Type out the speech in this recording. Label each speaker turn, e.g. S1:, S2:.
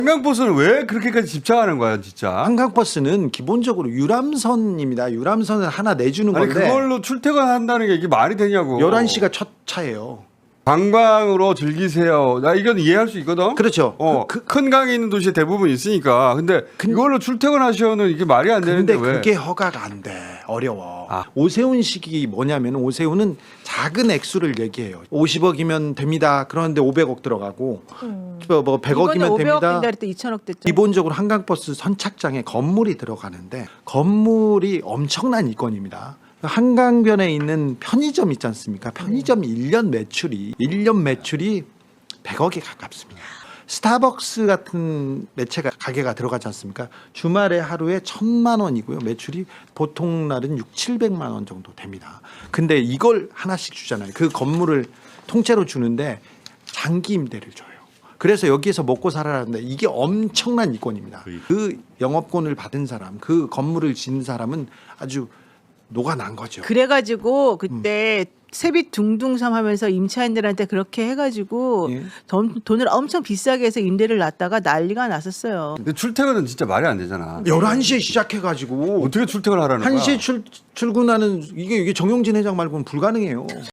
S1: 한강버스는 왜 그렇게까지 집착하는 거야, 진짜?
S2: 한강버스는 기본적으로 유람선입니다. 유람선을 하나 내주는
S1: 아니
S2: 건데
S1: 그걸로 출퇴근한다는 게 이게 말이 되냐고.
S2: 11시가 첫 차예요.
S1: 관광으로 즐기세요. 나 이건 이해할 수 있거든.
S2: 그렇죠.
S1: 큰 강이 있는 도시에 대부분 있으니까. 근데 이걸로 출퇴근하셔는 이게 말이 안 되는데
S2: 근데
S1: 왜?
S2: 그게 허가가 안 돼. 어려워.
S1: 아.
S2: 오세훈식이 뭐냐면 오세훈은 작은 액수를 얘기해요. 50억이면 됩니다. 그런데 500억 들어가고 뭐 100억이면
S3: 500억
S2: 됩니다.
S3: 된다 그랬더 2천억 됐죠.
S2: 기본적으로 한강버스 선착장에 건물이 들어가는데 건물이 엄청난 이권입니다. 한강변에 있는 편의점 있지 않습니까? 편의점 1년 매출이 100억에 가깝습니다. 스타벅스 같은 매체가 가게가 들어가지 않습니까? 주말에 하루에 1,000만 원이고요. 매출이 보통 날은 700만 원 정도 됩니다. 근데 이걸 하나씩 주잖아요. 그 건물을 통째로 주는데 장기 임대를 줘요. 그래서 여기에서 먹고 살아라는데 이게 엄청난 이권입니다. 그 영업권을 받은 사람, 그 건물을 지은 사람은 아주 녹아난 거죠.
S3: 그래가지고 그때 세빛 둥둥섬 하면서 임차인들한테 그렇게 해가지고
S2: 예.
S3: 돈을 엄청 비싸게 해서 임대를 놨다가 난리가 났었어요.
S1: 근데 출퇴근은 진짜 말이 안 되잖아.
S2: 11시에 시작해가지고
S1: 어떻게 출퇴근을 하라는 거야?
S2: 1시에 출근하는 이게 정용진 회장 말고는 불가능해요.